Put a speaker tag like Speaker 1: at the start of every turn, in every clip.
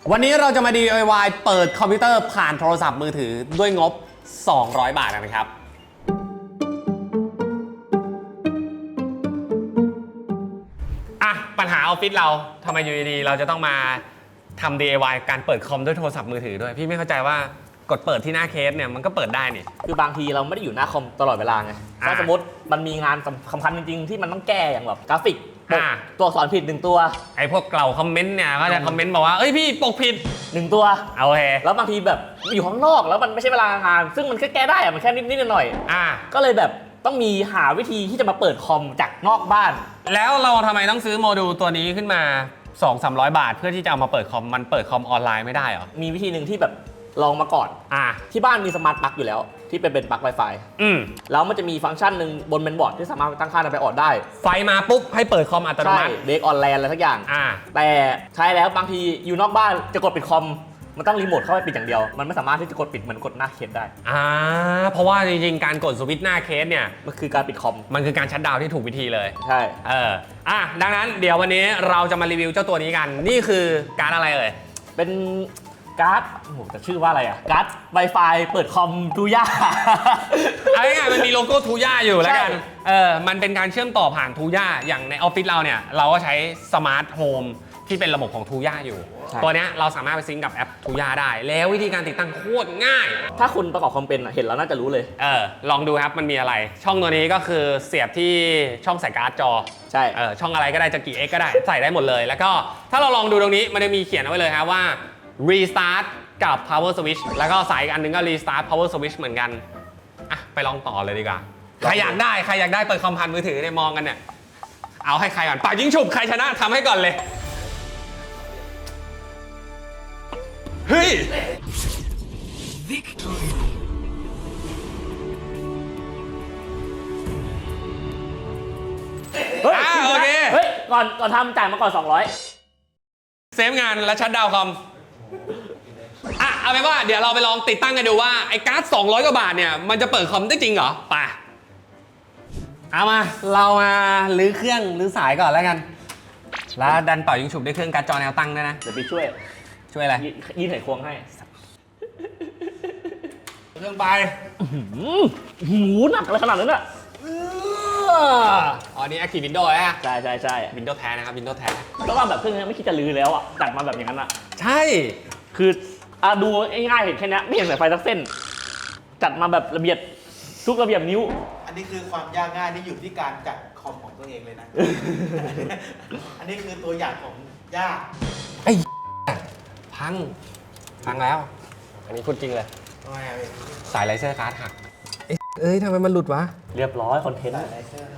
Speaker 1: วันนี้เราจะมา DIY เปิดคอมพิวเตอร์ผ่านโทรศัพท์มือถือด้วยงบ 200 บาทนะครับปัญหาออฟฟิศเราทำไมอยู่ดีๆเราจะต้องมาทำ DIY การเปิดคอมด้วยโทรศัพท์มือถือด้วยพี่ไม่เข้าใจว่ากดเปิดที่หน้าเคสเนี่ยมันก็เปิดได้นี่
Speaker 2: คือบางทีเราไม่ได้อยู่หน้าคอมตลอดเวลาไงถ้าสมมติมันมีงานสำคัญจริงๆที่มันต้องแก้อย่างแบบกราฟิกตัวอักษรผิด1ตัว
Speaker 1: ไอ้พวกเกล่าคอมเมนต์เนี่ยก็จะคอมเมนต์บอกว่าเอ้ยพี่ปกผิด
Speaker 2: 1ตัว
Speaker 1: โอเค
Speaker 2: แล้วบางทีแบบอยู่ข้างนอกแล้วมันไม่ใช่เวลางานซึ่งมันก็แก้ได้อะมันแค่นิดๆหน่อยๆก็เลยแบบต้องมีหาวิธีที่จะมาเปิดคอมจากนอกบ้าน
Speaker 1: แล้วเราทำไมต้องซื้อโมดูลตัวนี้ขึ้นมา 200-300 บาทเพื่อที่จะเอามาเปิดคอมมันเปิดคอมออนไลน์ไม่ได้เหรอ
Speaker 2: มีวิธีหนึ่งที่แบบลองมาก่อนที่บ้านมีสมาร์ทปลั๊กอยู่แล้วที่เป็นปลั๊ก Wi-Fi แล้วมันจะมีฟังก์ชันหนึ่งบนเมนบอร์ดที่สามารถตั้งค่าไปออดได้
Speaker 1: ไฟมาปุ๊บให้เปิดคอมอัตโนมัติ
Speaker 2: เบรกออนแลนอะไรสักอย่างแต่ใช้แล้วบางทีอยู่นอกบ้านจะกดปิดคอมมันต้องรีโมทเข้าไปปิดอย่างเดียวมันไม่สามารถที่จะกดปิดเหมือนกดหน้าเคสได้
Speaker 1: เพราะว่าจริงๆการกดสวิตช์หน้าเคสเนี่ย
Speaker 2: มันคือการปิดคอม
Speaker 1: มันคือการชัตดาวน์ที่ถูกวิธีเลย
Speaker 2: ใช่
Speaker 1: ดังนั้นเดี๋ยววันนี้เราจะมารีวิวเจ้าตัวนี้กันนี่คือการอะไรเอ่ย
Speaker 2: เป็นการ์ดจะชื่อว่าอะไรการ์ด Wi-Fi เปิดคอมทูย่า
Speaker 1: เอาง่ายๆมันมีโลโก้ทูย่าอยู่แล้วกันมันเป็นการเชื่อมต่อผ่านทูย่าอย่างในออฟฟิศเราเนี่ยเราก็ใช้สมาร์ทโฮมที่เป็นระบบของทูย่าอยู่ตัวนี้เราสามารถไปซิงก์กับแอปทูย่าได้แล้ววิธีการติดตั้งโคตรง่าย
Speaker 2: ถ้าคุณประกอบคอมเป็นเห็นแล้วน่าจะรู้เลย
Speaker 1: ลองดูครับมันมีอะไรช่องตัวนี้ก็คือเสียบที่ช่องใส่การ์ดจอ
Speaker 2: ใช่
Speaker 1: ช่องอะไรก็ได้จะกี่ X ก็ได้ใส่ได้หมดเลยแล้วก็ถ้าเราลองดูตรงนี้มันจะมีเขียนเอาไว้เลยครับว่า restart กับ power switch แล้วก็สายอีกอันนึงก็ restart power switch เหมือนกันไปลองต่อเลยดีกว่าใครอยากได้เปิดคอมผ่านมือถือเนี่ยมองกันเนี่ยเอาให้ใครก่อนป่ายิงฉุบใครชนะทำให้ก่อนเลยเฮ้ยโอเค
Speaker 2: เฮ้ยก่อนทำจ่ายมาก่อน200
Speaker 1: เซฟงานและชัดดาวน์คอมเอาเป็นว่าเดี๋ยวเราไปลองติดตั้งกันดูว่าไอ้การ์ด200 กว่าบาทเนี่ยมันจะเปิดคอมได้จริงเหรอไปเอามาเรามาลื้อเครื่องลื้อสายก่อนแล้วกันแล้วดันต่อยิงฉุบด้วยเครื่องการ์ดจอแนวตั้งด้วยนะ
Speaker 2: เดี๋ยวไปช่วย
Speaker 1: อะไร
Speaker 2: ยื่นไขควงให้
Speaker 1: เครื่องไป
Speaker 2: หูหนักอะไรขนาดนั้นอ่ะ
Speaker 1: นี่ Active Windows ฮะ
Speaker 2: ใช่
Speaker 1: Windows แท้นะครับ Windows แท้
Speaker 2: ก็ว่าแบบเครื่องนี้ไม่คิดจะลื้อแล้วอ่ะจัดมาแบบอย่างนั้นอ่ะ
Speaker 1: ใช่
Speaker 2: คือดูง่ายๆเห็นแค่นี้ไม่เห็นสายไฟสักเส้นจัดมาแบบระเบียบทุกระเบียบนิ้ว
Speaker 3: อันนี้คือความยากง่ายที่อยู่ที่การจัดคอมของตัวเองเลยนะอันนี้คือตัวอย่างของยาก
Speaker 1: ไอ้พังแล้วอันนี้พูดจริงเลยสายไลเซอร์การ์ดหักทำไมมันหลุดวะ
Speaker 2: เรียบร้อยคอนเทนต์
Speaker 3: ไลเซอร์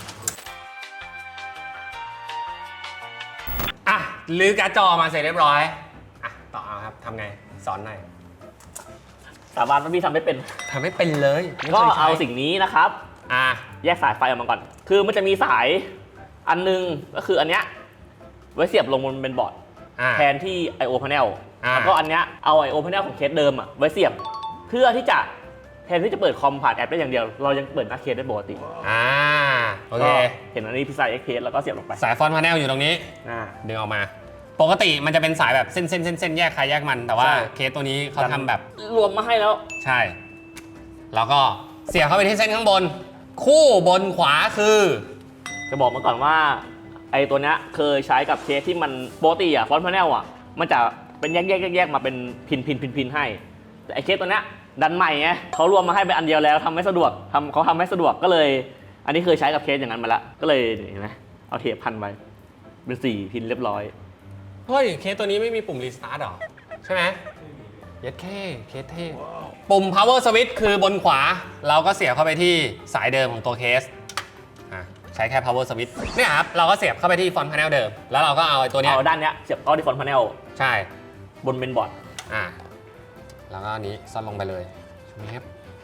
Speaker 1: ลื้อการ์ดจอมาเสร็จเรียบร้อยต่อเอาครับทำไงสอนหน่อย
Speaker 2: สาบานว่าพี่ทำไม่เป็น
Speaker 1: เลย
Speaker 2: ก็เอาสิ่งนี้นะครับแยกสายไฟออกมาก่อนคือมันจะมีสายอันนึงก็คืออันเนี้ยไว้เสียบลงบนเป็นบอร์ดแทนที่ I/O panel แล้วก็อันเนี้ยเอา I/O panel ของเคสเดิมไว้เสียบเพื่อที่จะแทนที่จะเปิดคอมผ่านแอปได้อย่างเดียวเรายังเปิดหน้าเคสได้ปกติ
Speaker 1: โอเค
Speaker 2: เห็นอันนี้พี่ใส่ XPS แล้วก็เสียบลงไป
Speaker 1: สายฟอนต์พาเนลอยู่ตรงนี้ดึงออกมาปกติมันจะเป็นสายแบบเส้นแยกใครแยกมันแต่ว่าเคสตัวนี้เขาทำแบบ
Speaker 2: รวมมาให้แล้ว
Speaker 1: ใช่แล้วก็เสียบเข้าไปที่เส้นข้างบนคู่บนขวาคือ
Speaker 2: จะบอกมาก่อนว่าไอ้ตัวเนี้ยเคยใช้กับเคสที่มันปกติฟอนต์พาเนลมันจะเป็นแยกมาเป็นพินให้แต่ไอ้เคสตัวเนี้ยดันใหม่ไงเขารวมมาให้เป็นอันเดียวแล้วทำไม่สะดวกเขาทำไม่สะดวกก็เลยอันนี้เคยใช้กับเคสอย่างนั้นมาแล้วก็เลยเห็นไหมเอาเทปพันไว้เป็น4 พินเรียบร้อย
Speaker 1: เฮ้ยเคสตัวนี้ไม่มีปุ่มรีสตาร์ทหรอใช่ไหมยัดเคสเท่ปุ่ม power switch คือบนขวาเราก็เสียบเข้าไปที่สายเดิมของตัวเคสใช้แค่ power switch เนี่ยครับเราก็เสียบเข้าไปที่ฟอนต์พาเนลเดิมแล้วเราก็เอาตัวนี้
Speaker 2: เอาด้านเนี้ยเสียบเข้าที่ฟอนต์พาเนล
Speaker 1: ใช่
Speaker 2: บนเมนบอร์ด
Speaker 1: แล้วก็อันนี้ซ่อนลงไปเลยนี่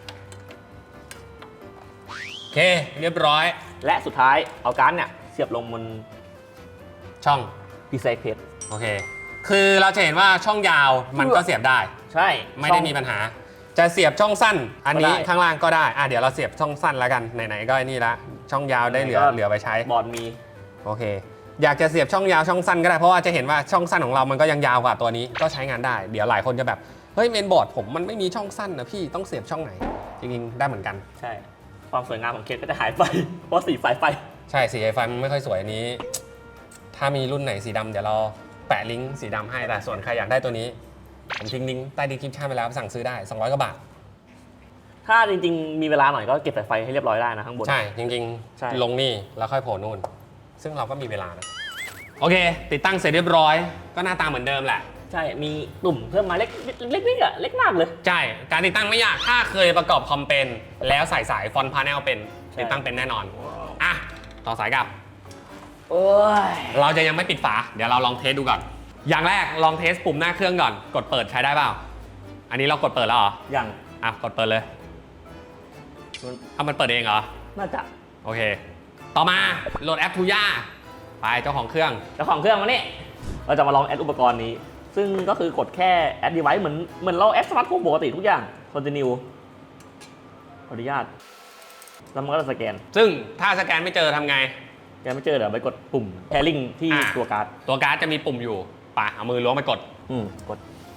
Speaker 1: โอเคเรียบร้อย
Speaker 2: และสุดท้ายเอาการ์ดเนี่ยเสียบลงบน
Speaker 1: ช่อง
Speaker 2: PCI Express
Speaker 1: โอเคคือเราจะเห็นว่าช่องยาวมันก็เสียบได้
Speaker 2: ใช่
Speaker 1: ไม่ได้มีปัญหาจะเสียบช่องสั้นอันนี้ข้างล่างก็ได้เดี๋ยวเราเสียบช่องสั้นแล้วกันไหนๆก็นี่ละช่องยาวได้เหลือไปใช้
Speaker 2: บอร์ดมี
Speaker 1: โอเคอยากจะเสียบช่องยาวช่องสั้นก็ได้เพราะว่าจะเห็นว่าช่องสั้นของเรามันก็ยังยาวกว่าตัวนี้ก็ใช้งานได้เดี๋ยวหลายคนจะแบบเฮ้ยเมนบอร์ดผมมันไม่มีช่องสั้นนะพี่ต้องเสียบช่องไหนจริงๆได้เหมือนกัน
Speaker 2: ใช่ ความสวยงามของเคสก็จะหายไป เพราะสีสายไฟ
Speaker 1: ใช่สีไฟมันไม่ค่อยสวยอันนี้ ถ้ามีรุ่นไหนสีดำเดี๋ยวเราแปะลิงก์สีดำให้แต่ส่วนใครอยากได้ตัวนี้ผมทิ้งลิงก์ใต้ดีคริปชั่นไปแล้วสั่งซื้อได้200 กว่าบาท
Speaker 2: ถ้าจริงๆ มีเวลาหน่อยก็เก็บสายไฟให้เรียบร้อยได้นะข้างบน
Speaker 1: ใช่จริง
Speaker 2: ใช่
Speaker 1: ๆ ลงนี่แล้วค่อยโผล่นู่น ซึ่งเราก็มีเวลานะโอเค ติดตั้งเสร็จเรียบร้อยก็หน้าตาเหมือนเดิมแหละ
Speaker 2: ใช่ มีตุ่มเพิ่มมาเล็กๆอะเล็กมากเลย
Speaker 1: ใช่การติดตั้งไม่ยากถ้าเคยประกอบคอมเป็นแล้วใส่สายฟอนต์พาเนลเป็น
Speaker 2: ใช่
Speaker 1: ติดตั้งเป็นแน่นอนอ่ะต่อสายกลับ
Speaker 2: โอ้ย
Speaker 1: เราจะยังไม่ปิดฝาเดี๋ยวเราลองเทสดูก่อนอย่างแรกลองเทสปุ่มหน้าเครื่องก่อนกดเปิดใช้ได้เปล่าอันนี้เรากดเปิดแล้วเหรอ
Speaker 2: อย่าง
Speaker 1: อ่ะกดเปิดเลยมันเปิดเองเหรอ
Speaker 2: น่าจะ
Speaker 1: โอเค ต่อมาโหลดแอปทูย่าไปเจ้าของเครื่อง
Speaker 2: เจ้าของเครื่องมานี่เราจะมาลองแอดอุปกรณ์นี้ ซึ่งก็คือกดแค่แอด device เหมือนเราแอดสมาร์ทโฟนปกติทุกอย่าง continue ขออนุญาตแล้วมันก็จะสแกน
Speaker 1: ซึ่งถ้าสแกนไม่เจอทำไง
Speaker 2: แกไม่เจอเดี๋ยวไปกดปุ่ม pairing ที่
Speaker 1: อ่ะ
Speaker 2: ตัวการ์ด
Speaker 1: ตัวการ์ดจะมีปุ่มอยู่ไปเอามือล้วงไปกด
Speaker 2: กด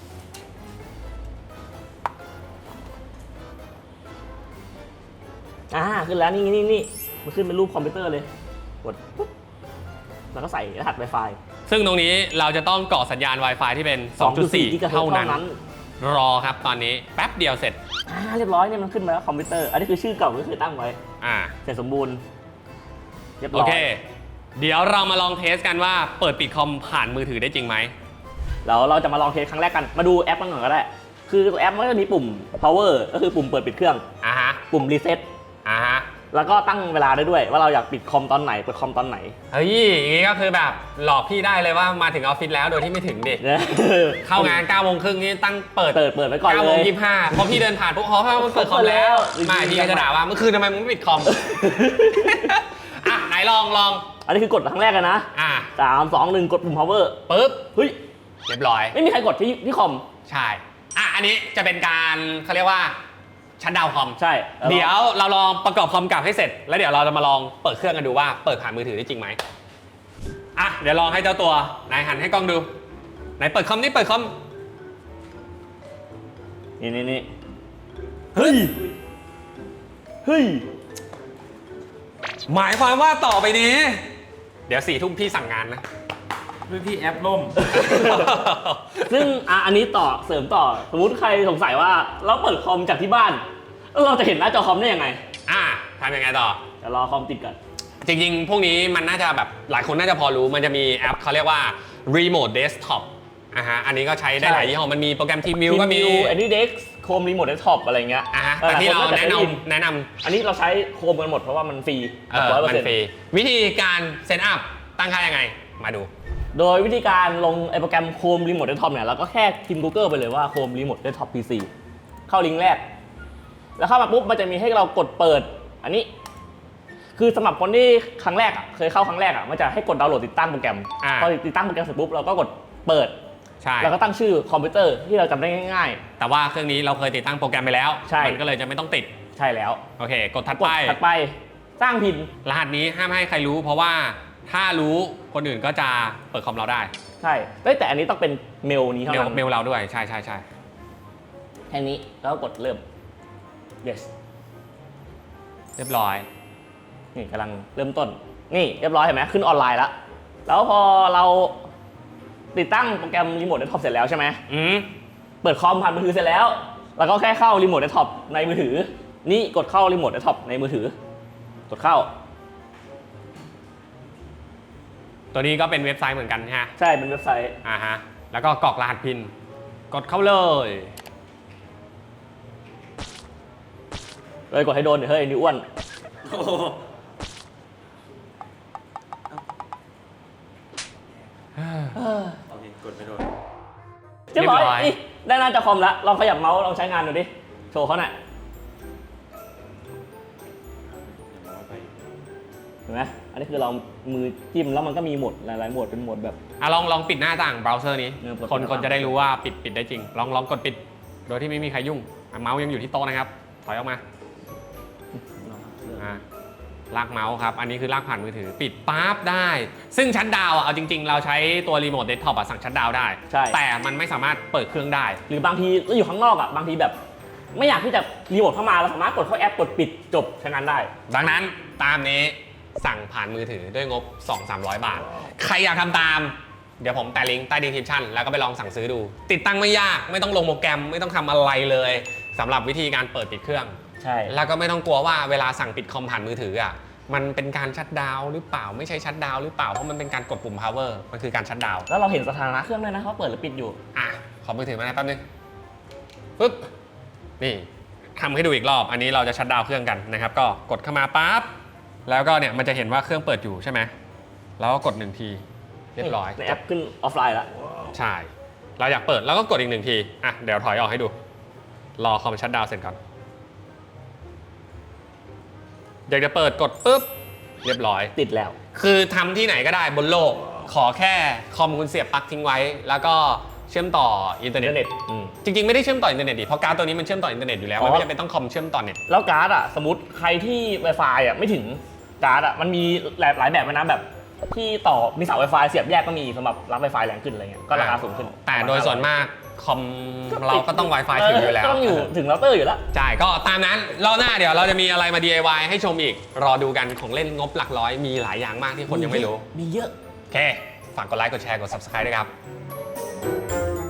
Speaker 2: ขึ้นแล้วนี่มันขึ้นเป็นรูปคอมพิวเตอร์เลย กดปุ๊บแล้วก็ใส่รหัส Wi-Fi
Speaker 1: ซึ่งตรงนี้เราจะต้องก่อสัญญาณ Wi-Fi ที่เป็น 2.4
Speaker 2: กิกะเฮิร
Speaker 1: เท่า
Speaker 2: ตซ์
Speaker 1: นั้น รอครับตอนนี้แป๊บเดียวเสร็จ
Speaker 2: เรียบร้อยเนี่ยมันขึ้นมาแล้วคอมพิวเตอร์ อันนี้คือชื่อเก่าที่เคยตั้งไว้
Speaker 1: อ่า
Speaker 2: เสร็จสมบูรณ์เรียบ
Speaker 1: โอ
Speaker 2: ร้อย
Speaker 1: เค เดี๋ยวเรามาลองเทสกันว่าเปิดปิดคอมผ่านมือถือได้จริงไหม
Speaker 2: แล้วเราจะมาลองเทสครั้งแรกกัน มาดูแอปกันก่อนก็ได้ คือตัวแอปมันก็จะมีปุ่ม power ก็คือปุ่มเปิดปิดเครื่อง
Speaker 1: อ่าฮะ
Speaker 2: ปุ่ม reset
Speaker 1: อ่าฮะ
Speaker 2: แล้วก็ตั้งเวลาได้ด้วย ว่าเราอยากปิดคอมตอนไหน เปิดคอมตอนไหน
Speaker 1: เฮ้ยอย่างนี้ก็คือแบบหลอกพี่ได้เลยว่ามาถึงออฟฟิศแล้วโดยที่ไม่ถึงดิ เข้างาน9 โมงครึ่งนี่ตั้งเปิด
Speaker 2: เปิดไว้ก่อน
Speaker 1: 9
Speaker 2: เล
Speaker 1: โมง
Speaker 2: ย
Speaker 1: 25พอพี่เดินผ่านปุ๊บอ๋อมันเปิดคอมแล้ว ไม่พี่ก็จะด่าว่าเมื่อคืนทำไมมึงไม่ปิดคอม อ่ะไหนลอง
Speaker 2: อันนี้คือกดครั้งแรกกันนะ
Speaker 1: อ่ะ
Speaker 2: 3 2 1 กดปุ่ม power
Speaker 1: ปุ๊บ
Speaker 2: เฮ้ย
Speaker 1: เรียบร้อย
Speaker 2: ไม่มีใครกดที่คอม
Speaker 1: ใช่ อ่ะอันนี้จะเป็นการเขาเรียกว่าชัดดาวน์คอม
Speaker 2: ใช่
Speaker 1: เดี๋ยวเราลองประกอบคอมกลับให้เสร็จ แล้วเดี๋ยวเราจะมาลองเปิดเครื่องกันดูว่าเปิดผ่านมือถือได้จริงไหมอ่ะเดี๋ยวลองให้เจ้าตัวนายหันให้กล้องดูไหนเปิดคอมนี่เปิดคอม
Speaker 2: นี่เฮ้ย
Speaker 1: หมายความว่าต่อไปนี้ เดี๋ยว4 ทุ่มพี่สั่งงานนะ
Speaker 3: ด้วยที่แอปล่ม
Speaker 2: ซึ่งอันนี้เสริมต่อ สมมุติใครสงสัยว่าเราเปิดคอมจากที่บ้านแล้วเราจะเห็นหน้าจอคอมได้ยังไง
Speaker 1: ทำยังไงต่อ
Speaker 2: เดี๋ยวรอคอมติดก่อน
Speaker 1: จริงๆ พวกนี้มันน่าจะแบบหลายคนน่าจะพอรู้มันจะมีแอปเขาเรียกว่า Remote Desktop อันนี้ก็ใช้ได้หลายยี่ห้อมันมีโปรแกรม Team View ก็มี
Speaker 2: AnyDesk Chrome Remote Desktop อะไรเงี้ย
Speaker 1: แต่ที่เรา
Speaker 2: หลยค
Speaker 1: แนะ
Speaker 2: จะได้ยิ
Speaker 1: นำ
Speaker 2: อันนี้เราใช้ Chrome กันหมดเพราะว่ามันฟรี
Speaker 1: มันฟรีวิธีการเซตอัพตั้งค่ายังไง มาดู
Speaker 2: โดยวิธีการลงไอโปรแกรม Chrome Remote Desktop เนี่ยเราก็แค่พิมพ์ Google ไปเลยว่า Chrome Remote Desktop PC เข้าลิงก์แรก แล้วเข้ามาปุ๊บมันจะมีให้เรากดเปิด อันนี้ คือสำหรับคนที่ครั้งแรกเคยเข้าครั้งแรกมันจะให้กดดาวน์โหลดติดตั้งโปรแกรมพอติดตั้งโปรแกรมเสร็จปุ๊บเราก็กดเปิด
Speaker 1: ใช่
Speaker 2: แล้วก็ตั้งชื่อคอมพิวเตอร์ที่เราจำได้ง่าย
Speaker 1: แต่ว่าเครื่องนี้เราเคยติดตั้งโปรแกรมไปแล้ว
Speaker 2: ใช่
Speaker 1: มันก็เลยจะไม่ต้องติด
Speaker 2: ๆ ใช่แล้ว
Speaker 1: โอเค กดถัด
Speaker 2: กด
Speaker 1: ไป
Speaker 2: ถัดไปสร้างพิน
Speaker 1: รหัสนี้ห้ามให้ใครรู้ เพราะว่าถ้ารู้คนอื่นก็จะเปิดคอมเราได้
Speaker 2: ใช่แต่อันนี้ต้องเป็นเมลนี้เท่านั้น
Speaker 1: เมลเราด้วย ใช่
Speaker 2: แค่นี้แล้วก็กดเริ่ม yes
Speaker 1: เรียบร้อย
Speaker 2: นี่กำลังเริ่มต้น นี่เรียบร้อยเห็นไหมขึ้นออนไลน์แล้ว แล้วพอเราติดตั้งโปรแกรม Remote Desktop เสร็จแล้วใช่ไหม เปิดคอมผ่านมือถือเสร็จแล้ว แล้วก็แค่เข้า Remote Desktop ในมือถือ นี่กดเข้า Remote Desktop ในมือถือ กดเข้า
Speaker 1: ตัวนี้ก็เป็นเว็บไซต์เหมือนกันฮะ
Speaker 2: ใช่เป็นเว็บไซต์
Speaker 1: แล้วก็กรอกรหัสพิน กดเข้าเลย
Speaker 2: เลยกดให้โดนเดี๋ยวเฮ้ยนิ้วอ้วน
Speaker 3: โอเค กดไปโดน
Speaker 2: เรียบร้อย
Speaker 1: เรียบร้อย
Speaker 2: นี่ได้หน้าจอคอมแล้วลองขยับเมาส์ลองใช้งานดูดิ โชว์เขาหน่อยเห็นไหมอันนี้คือเรามือจิ้มแล้วมันก็มีโหมดหลายๆโหมดเป็นโหมดแบบ
Speaker 1: ลองปิดหน้าต่างเบราว์เซอร์นี้
Speaker 2: เปิด
Speaker 1: คน
Speaker 2: หน้าต่าง
Speaker 1: จะได้รู้ว่าปิดได้จริง ลองกดปิด โดยที่ไม่มีใครยุ่งเมาส์ยังอยู่ที่โต๊ะนะครับ ถอยออกมาลากเมาส์ครับ อันนี้คือลากผ่านมือถือปิดปั๊บได้ ซึ่งชัตดาวน์เอาจริงๆ เราใช้ตัวรีโมทเดสก์ท็อปสั่งชัตดาวน์ได้
Speaker 2: ใช่
Speaker 1: แต่มันไม่สามารถเปิดเครื่องได้
Speaker 2: หรือบางทีเราอยู่ข้างนอกอ่ะบางทีแบบ ไม่อยากที่จะรีโมทเข้ามาเราสามารถกดเข้าแอปกดปิดจบใช้งานได้
Speaker 1: ดังนั้นตามนี้สั่งผ่านมือถือด้วยงบ 200-300 บาท ใครอยากทำตาม เดี๋ยวผมแปะลิงก์ใต้ดีสคริปชั่นแล้วก็ไปลองสั่งซื้อดู ติดตั้งไม่ยากไม่ต้องลงโปรแกรมไม่ต้องทำอะไรเลยสำหรับวิธีการเปิดปิดเครื่อง
Speaker 2: ใช่
Speaker 1: แล้วก็ไม่ต้องกลัวว่าเวลาสั่งปิดคอมผ่านมือถืออ่ะมันเป็นการชัตดาวน์หรือเปล่าไม่ใช่ชัตดาวน์หรือเปล่าเพราะมันเป็นการกดปุ่ม power มันคือการชัตดาวน์
Speaker 2: แล้วเราเห็นสถานะเครื่องด้วยนะเขาเปิดหรือปิดอยู่
Speaker 1: อ่ะขอมือถือมาหน่อยแป๊บนึงปึ๊บนี่ทำให้ดูอีกรอบอันนี้เราจะชัตดาวน์เครื่องกันนะครับก็กดเข้ามาปั๊บแล้วก็เนี่ยมันจะเห็นว่าเครื่องเปิดอยู่ใช่ไหมแล้วก็กด1ทีเรียบร้อย
Speaker 2: ในแอปขึ้นออฟไลน์แล้ว
Speaker 1: ใช่เราอยากเปิดแล้วก็กดอีก1ทีอ่ะเดี๋ยวถอยออกให้ดูรอคอมชัตดาวน์เสร็จก่อนอยากจะเปิดกดปุ๊บเรียบร้อย
Speaker 2: ติดแล้ว
Speaker 1: คือทำที่ไหนก็ได้บนโลก ขอแค่คอมคุณเสียบปลั๊กทิ้งไว้ แล้วก็เชื่อมต่ออินเทอร์เน็ต จริงๆ ไม่ได้เชื่อมต่ออินเทอร์เน็ตดิเพราะการ์ดตัวนี้มันเชื่อมต่ออินเทอร์เน็ตอยู่แล้ว มันไม่จำเป็นต้องคอมเชื่อมต่อเน็ต
Speaker 2: แล้วการ์ดอ่ะสมมติใครที่ Wi-Fi อ่ะไม่ถึงการ์ดอ่ะมันมีหลายแบบนะแบบที่ต่อมีเสา Wi-Fi เสียบแยกก็มีสำหรับรับ Wi-Fi แรงขึ้นอะไรเงี้ยก็ราคาสูงขึ้น
Speaker 1: แต่โดยส่วนมากคอมเราก็ต้อง Wi-Fi ถึงอยู่แล้ว
Speaker 2: ก็ต้องอยู่ถึงเราเตอร์อยู่แล้ว
Speaker 1: ใช่ ก็ตามนั้นรอบหน้าเดี๋ยวเราจะมีอะไรมา DIY ให้ชมอีก รอดูกันของเล่นงบหลักร้อยมีหลายอย่างมากที่คนยังไม่รู้
Speaker 2: มีเยอะ
Speaker 1: โอเค ฝากกดไลค์ กดแชร์ กด Subscribe ด้วยครับ